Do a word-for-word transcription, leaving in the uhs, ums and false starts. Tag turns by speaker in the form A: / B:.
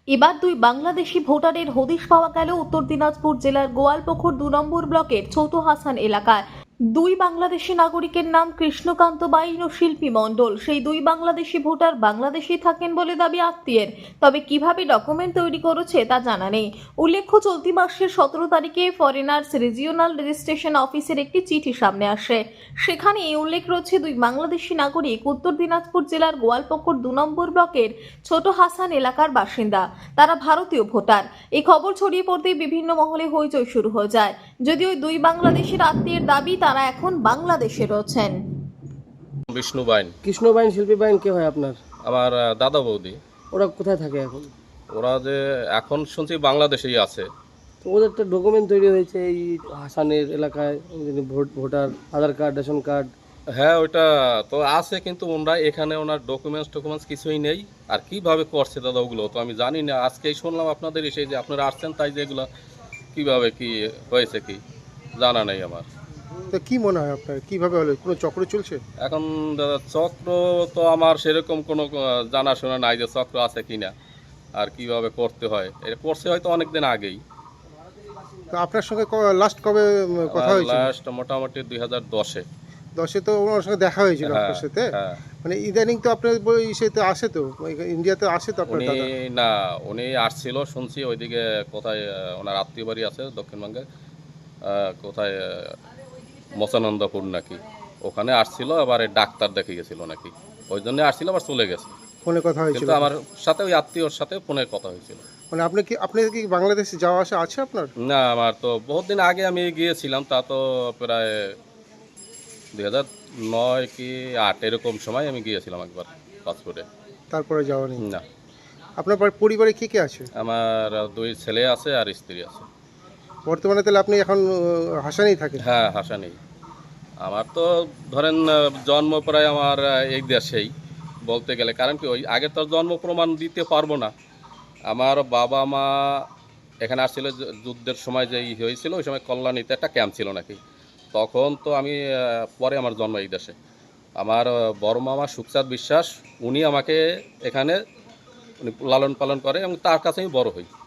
A: এবার দুই বাংলাদেশি ভোটারের হদিশ পাওয়া গেল উত্তর দিনাজপুর জেলার গোয়ালপুকুর দু নম্বর ব্লকের ছোট হাসান এলাকায়। দুই বাংলাদেশি নাগরিকের নাম কৃষ্ণকান্ত বাইন ও শিল্পী মণ্ডল। সেই দুই বাংলাদেশি ভোটার বাংলাদেশে থাকেন বলে দাবি আত্মীয়ের, তবে কিভাবে ডকুমেন্ট তৈরি করেছে তা জানা নেই। উল্লেখ্য, চলতি মাসের সতেরো তারিখে ফরেনার্স রিজিওনাল রেজিস্ট্রেশন অফিসের একটি চিঠি সামনে আসে। সেখানে উল্লেখ রয়েছে দুই বাংলাদেশি নাগরিক উত্তর দিনাজপুর জেলার গোয়ালপুকুর দু নম্বর ব্লকের ছোট হাসান এলাকার বাসিন্দা। তারা ভারতীয় ভোটার। এই খবর ছড়িয়ে পড়তেই বিভিন্ন মহলে হইচই শুরু হয়ে যায়। যদিও দুই বাংলাদেশের আত্মীয়ের দাবি তারা এখন বাংলাদেশে রয়েছেন।
B: বিষ্ণু বাইন।
C: কৃষ্ণ বাইন শিল্পী বাইন কে হয় আপনার?
B: আমার আহ, দাদা বৌদি।
C: ওরা কোথায় থাকে এখন?
B: ওরা যে এখন শুনছি বাংলাদেশেই আছে।
C: তো ওদের তো ডকুমেন্ট তৈরি হয়েছে এই হাসানের এলাকায়, যিনি vote voter Aadhaar card ration card.
B: হ্যাঁ, ওইটা তো আছে, কিন্তু ওনারা এখানে ওনার ডকুমেন্টস টকুমেন্টস কিছুই নেই। আর কিভাবে করছে দাদা ওগুলো তো আমি জানি না। আজকেই শুনলাম আপনাদের এসে যে আপনারা আসছেন, তাই যে এগুলো কীভাবে কি হয়েছে কি জানা নেই আমার।
D: তো কি মনে হয় আপনার, কিভাবে হলো? কোনো চক্র চলছে?
B: এখন দাদা চক্র তো আমার সেরকম কোনো আহ, জানাশোনা নাই যে চক্র আছে কিনা আর কিভাবে করতে হয়। এটা করছে হয়তো অনেকদিন আগেই।
D: তো আপনার সঙ্গে লাস্ট কবে উম, কথা হয়েছিল?
B: লাস্ট মোটামুটি দুই হাজার দশে।
D: দশে তো ওনার সঙ্গে দেখা হয়েছিল
B: হ্যাঁ,
D: আপনার সাথে।
B: হ্যাঁ।
D: মানে ইদানিং তো আপনার বই ইসেতে আসে, তো ইন্ডিয়াতে আসে তো আপনার
B: উনি
D: দাদা?
B: না, উনি আসছিল শুনছি ওইদিকে কোথায় আহ, ওনার আত্মীয় বাড়ি আছে দক্ষিণবঙ্গে, আহ, কোথায় আহ, মচানন্দপুর নাকি, ওখানে আসছিল। আবার এই ডাক্তার দেখে গেছিল নাকি, ওই জন্য আসছিল, আবার চলে গেছে।
D: ফোনে কথা হয়েছিল?
B: কিন্তু আমার সাথে ওই আত্মীয়র সাথে ফোনে কথা হয়েছিল।
D: মানে আপনি কি আপনি কি বাংলাদেশে যাওয়া আসা আছে আপনার?
B: না, আমার তো বহুত দিন আগে আমি গিয়েছিলাম, তা তো প্রায় দুই হাজার নয় কি আট এরকম সময় আমি গিয়েছিলাম একবার পাসপোর্টে।
D: তারপরে যাওয়া নেই?
B: না,
D: আপনার পর- পরিবারে কে কে আছে?
B: আমার দুই ছেলে আছে আর স্ত্রী আছে।
D: বর্তমানে তাহলে আপনি এখন আহ, হাসানেই থাকেন?
B: হ্যাঁ, হাসা নেই। আমার তো ধরেন আহ, জন্ম প্রায় আমার আহ, এই দেশেই বলতে গেলে, কারণ কি ওই আগে তো জন্ম প্রমাণ দিতে পারবো না। আমার বাবা মা এখানে আসছিল যু- যুদ্ধের সময় যে ই হয়েছিল, ওই সময় কল্যাণীতে একটা ক্যাম্প ছিল নাকি, তখন তো আমি আহ, পরে আমার জন্ম এই দেশে। আমার আহ, বড় মামা সুখচাঁদ বিশ্বাস, উনি আমাকে এখানে উনি লালন পালন করে এবং তার কাছে আমি বড় হই।